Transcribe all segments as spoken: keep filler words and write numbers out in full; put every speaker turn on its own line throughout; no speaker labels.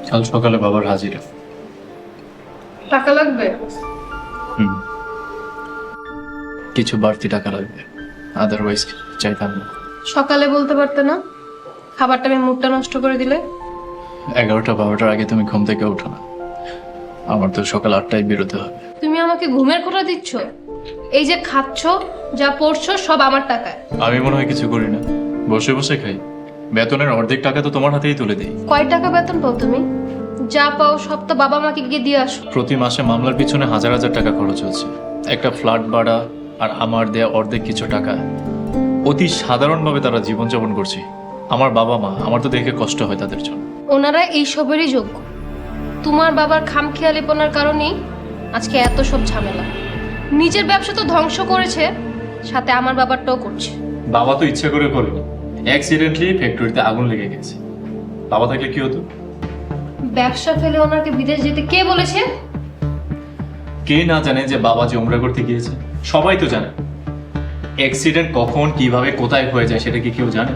কাল সকালে বাবার হাজিরা।
টাকা লাগবে?
হুম, কিছু বাড়তি টাকা লাগবে, আদারওয়াইজ চাইতাম না।
সকালে বলতে পারতে না? খাবারটা আমি মুডটা নষ্ট করে দিলে।
এগারোটা বারোটার আগে তুমি ঘুম থেকে ওঠো না, আমার তো সকাল আটটায় বেরোতে হবে।
তুমি আমাকে ঘুমের খোটা দিচ্ছ? এই যে খাচ্ছ, যা পড়ছো, সব আমার টাকায়।
আমি মনে হয় কিছু করি না, বসে বসে খাই। বেতনের অর্ধেক টাকা তো তোমার হাতেই তুলে দিই।
কয় টাকা বেতন পাও তুমি? যা পাও সব তো বাবা মাকে গিয়ে দিয়ে আসো।
প্রতি মাসে মামলার পিছনে হাজার হাজার টাকা খরচ হচ্ছে, একটা ফ্ল্যাট ভাড়া আর আমার দেয়া অর্ধেক কিছু টাকা। অতি সাধারণভাবে তারা জীবনযাপন করছে। আমার বাবা মা, আমার তো দেখে কষ্ট হয় তাদের জন্য।
ওনারা এইসবেরই যোগ্য। তোমার বাবার খামখেয়ালিপনার কারণেই আজকে এত সব ঝামেলা। নিজের ব্যবসা তো ধ্বংস করেছে, সাথে আমার বাবারটাও করছে।
বাবা তো ইচ্ছে করে করেনি, অ্যাক্সিডেন্টলি ফ্যাক্টরিতে আগুন লেগে গেছে। বাবা থাকলে কি হতো?
ব্যবসা ফেলে ওনাকে বিদেশ যেতে কে বলেছে?
কে না জানে যে বাবা যে উমরা করতে গিয়েছে? সবাই তো জানে। অ্যাক্সিডেন্ট কখন কিভাবে কোথায় হয়ে যায় সেটা কি কেউ জানে?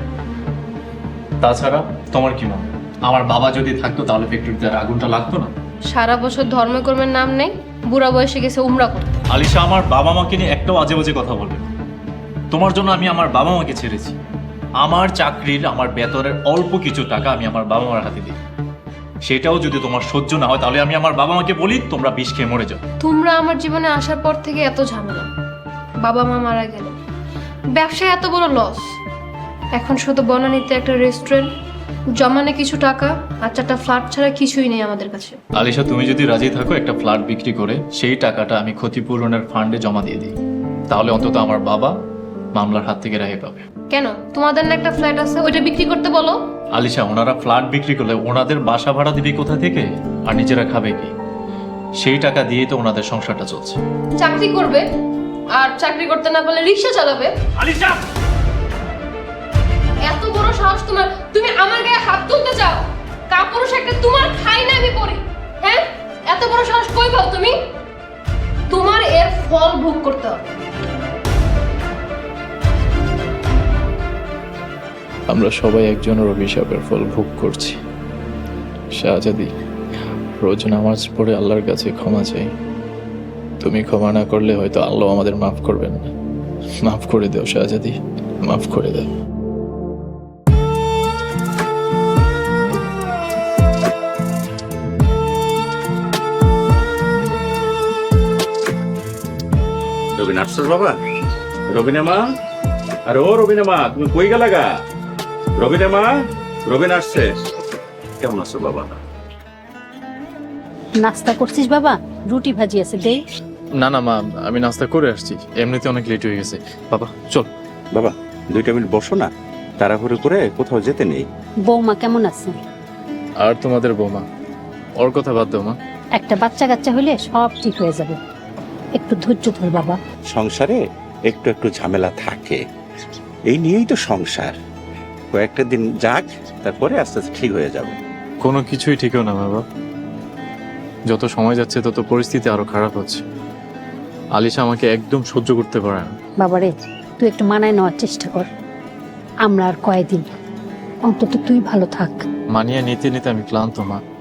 তাছাড়া তোমার কি মনে হয়, আমার বাবা যদি থাকতো তাহলে ফ্যাক্টরিতে আর আগুনটা লাগতো না?
সারা বছর ধর্মকর্মের নাম নেই, বুড়া বয়সে গেছে উমরা করতে।
আলিশা, আমার বাবা মাকে নিয়ে একটাও আজে বাজে কথা বলবে না। তোমার জন্য আমি আমার বাবা মাকে ছেড়েছি। আমার চাকরির আমার বেতনের অল্প কিছু টাকা আমি আমার বাবা মার হাতে দিই। সেটাও যদি তোমার সহ্য না হয় তাহলে আমি আমার বাবা মাকে বলি তোমরা বিষ খেয়ে মরে যাও।
তোমরা আমার জীবনে আসার পর থেকে এত ঝামেলা, বাবা মা মারা গেল, ব্যবসায় এত বড় লস, এখন শুধু বনানীতে একটা রেস্টুরেন্ট, জমানে কিছু টাকা আর চারটা ফ্ল্যাট ছাড়া কিছুই নেই আমাদের কাছে।
আলিশা, তুমি যদি রাজি থাকো একটা ফ্ল্যাট বিক্রি করে সেই টাকাটা আমি ক্ষতিপূরণের ফান্ডে জমা দিয়ে দিই, তাহলে অন্তত আমার বাবা মামলার হাত থেকে রেহাই পাবে।
কেন, তোমাদের না একটা ফ্ল্যাট আছে, ওইটা বিক্রি করতে বলো।
আলিশা, ওনারা ফ্ল্যাট বিক্রি করলে ওনাদের বাসা ভাড়া দিবে কোথা থেকে, আর নিজেরা খাবে কি? সেই টাকা দিয়েই তো ওনাদের সংসারটা চলছে।
চাকরি করবে, আর চাকরি করতে না পারলে রিক্সা চালাবে।
আলিশা,
এত বড় সাহস তোমার, তুমি আমার গায়ে হাত তুলতে চাও? কাপুরুষ একটা, তোমার খাই না আমি পড়ি, হ্যাঁ? এত বড় সাহস কই পাও তুমি? তোমার এর ফল ভোগ করতে হবে।
আমরা সবাই একজনের অভিশাপের ফল ভোগ করছি। শাহজাদি, রোজ নামাজ পড়ে আল্লাহর কাছে ক্ষমা চাই। তুমি ক্ষমা না করলে হয়তো আল্লাহ আমাদের মাফ করবেন না। মাফ করে দাও শাহজাদি, মাফ করে দাও।
রবিন আসছস বাবা? রবিনা মা, আরে ও রবিনা মা, তুমি কই গেলা গা? রবিনা মা, রবিন আসছে। কেমন আছো বাবা?
নাস্তা করছিস বাবা? রুটি ভাজি আছে, দে।
না না মা, আমি নাস্তা করে আসছি, এমনিতে অনেক লেট হয়ে গেছে। বাবা চল।
বাবা দুইটা মিনিট বসো না, তাড়াহুড়ো করে কোথাও যেতে নেই।
বৌমা কেমন আছে?
আর তোমাদের বৌমা, ওর কথা বাদ দাও মা।
একটা বাচ্চা কাচ্চা হলে সব ঠিক হয়ে যাবে, একটু ধৈর্য ধর বাবা।
সংসারে একটু একটু ঝামেলা থাকে, এই নিয়েই তো সংসার। কয়েকটা দিন যাক, তারপরে আস্তে আস্তে ঠিক হয়ে যাবে।
কোনো কিছুই ঠিকও না বাবা, যত সময় যাচ্ছে তত পরিস্থিতি আরো খারাপ হচ্ছে। আলিশা আমাকে একদম সহ্য করতে পারে না।
বাবারে, তুই একটু মানায় নেওয়ার চেষ্টা কর। আমরা আর কয়দিন, অন্তত তুই ভালো থাক।
মানিয়ে নিতে নিতে আমি ক্লান্ত মা।